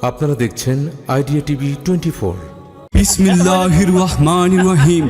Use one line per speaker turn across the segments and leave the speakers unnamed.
আপনারা দেখছেন idea TV 24।
বিসমিল্লাহির রহমানির রহিম।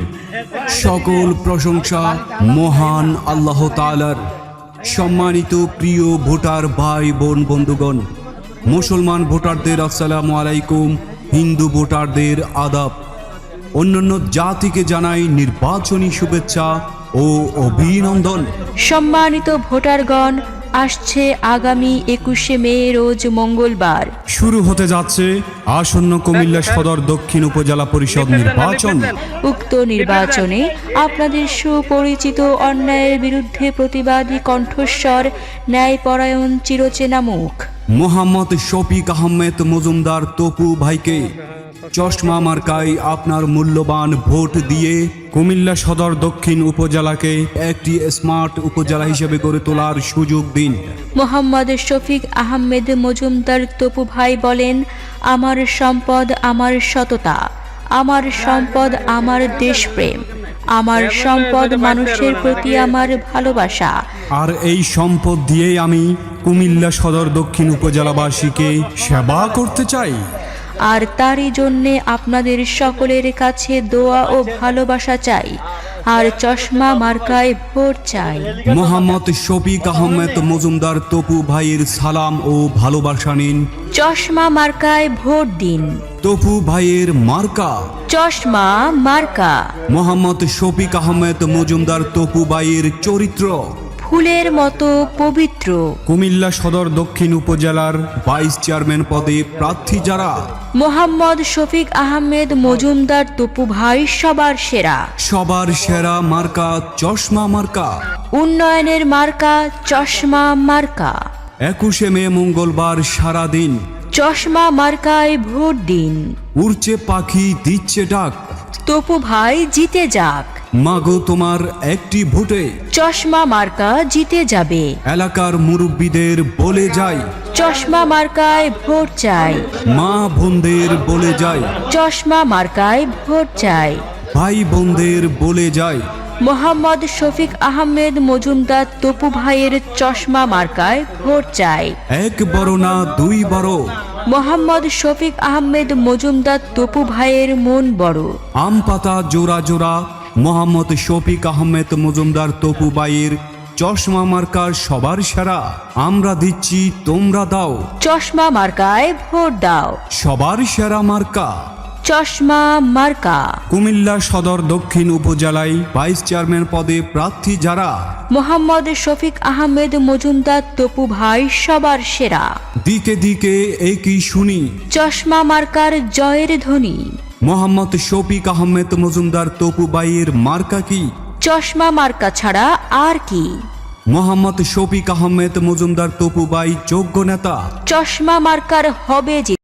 সকল প্রশংসা মহান আল্লাহ তাআলার। সম্মানিত প্রিয় ভোটার ভাই বোন বন্ধুগণ, মুসলমান ভোটারদের আসসালামু আলাইকুম, হিন্দু ভোটারদের আদাব। অন্যান্য জাতিকে জানাই নির্বাচনী শুভেচ্ছা ও অভিনন্দন।
সম্মানিত ভোটারগণ, আসছে আগামী 21শে মে রোজ মঙ্গলবার
শুরু হতে যাচ্ছে আসন্ন কুমিল্লা সদর দক্ষিণ উপজেলা পরিষদ নির্বাচন।
উক্ত নির্বাচনে আপনাদের সুপরিচিত অন্যায়ের বিরুদ্ধে প্রতিবাদী কণ্ঠস্বর, ন্যায়পরায়ণ চিরচেনা মুখ
মোহাম্মদ শফিক আহমেদ মজুমদার তপু ভাইকে চশমা মার্কায় আপনার মূল্যবান ভোট দিয়ে কুমিল্লা সদর দক্ষিণ উপজেলাকে একটি স্মার্ট উপজেলা হিসেবে গড়ে তোলার সুযোগ দিন।
মোহাম্মদ শফিক আহমেদ মজুমদার তপু ভাই বলেন, আমার সম্পদ আমার সততা, আমার সম্পদ আমার দেশপ্রেম, আমার সম্পদ মানুষের প্রতি আমার ভালোবাসা।
আর এই সম্পদ দিয়েই আমি কুমিল্লা সদর দক্ষিণ উপজেলাবাসীকে সেবা করতে চাই।
আর তারই জন্যে আপনাদের সকলের কাছে দোয়া ও ভালোবাসা চাই, আর চশমা মার্কায় ভোট চাই।
মোহাম্মদ শফিক আহমেদ মজুমদার তপু ভাইয়ের সালাম ও ভালোবাসা নিন।
চশমা মার্কায় ভোট দিন।
তপু ভাইয়ের মার্কা
চশমা মার্কা।
মোহাম্মদ শফিক আহমেদ মজুমদার তপু ভাইয়ের চরিত্র
ফুলের মতো পবিত্র।
কুমিল্লা সদর দক্ষিণ উপজেলার ভাইস চেয়ারম্যান পদে প্রার্থী যারা,
মোহাম্মদ শফিক আহমেদ মজুমদার তপু ভাই সবার সেরা।
সবার সেরা মার্কা চশমা মার্কা।
উন্নয়নের মার্কা চশমা মার্কা।
21শে মে মঙ্গলবার সারাদিন
চশমা মার্কায় ভোট দিন।
উড়ছে পাখি দিচ্ছে ডাক,
তপু ভাই জিতে যাক।
মাগো তোমার একটি ভোটে
চশমা মার্কা জিতে যাবে।
এলাকার মুরব্বীদের বলে যাই,
চশমা মার্কায় ভোট চাই।
মা বোনদের বলে যাই,
চশমা মার্কায় ভোট চাই।
ভাই বোনদের বলে যাই,
মোহাম্মদ শফিক আহমেদ মজুমদার তপু ভাইয়ের চশমা মার্কায় ভোট চাই।
এক বড় না দুই বড়,
মোহাম্মদ শফিক আহমেদ মজুমদার তপু ভাইয়ের মন বড়।
আম পাতা জোড়া জোড়া মোহাম্মদ শফিক আহমেদ মজুমদার তপু ভাইয়ের চশমা মার্কার সবার সেরা। আমরা দিচ্ছি, তোমরা দাও।
চশমা মার্কায় ভোট দাও।
সবার সেরা মার্কা
চশমা মার্কা।
কুমিল্লা সদর দক্ষিণ উপজেলায় ভাইস চেয়ারম্যান পদে প্রার্থী যারা,
মোহাম্মদ শফিক আহমেদ মজুমদার তপু ভাই সবার সেরা।
দিকে দিকে একই শুনি,
চশমা মার্কার জয়ের ধ্বনি।
মোহাম্মদ শফিক আহমেদ মজুমদার তপু ভাইয়ের মার্কা কি?
চশমা মার্কা ছাড়া আর কি?
মোহাম্মদ শফিক আহমেদ মজুমদার তপু ভাই যোগ্য নেতা।
চশমা মার্কার হবে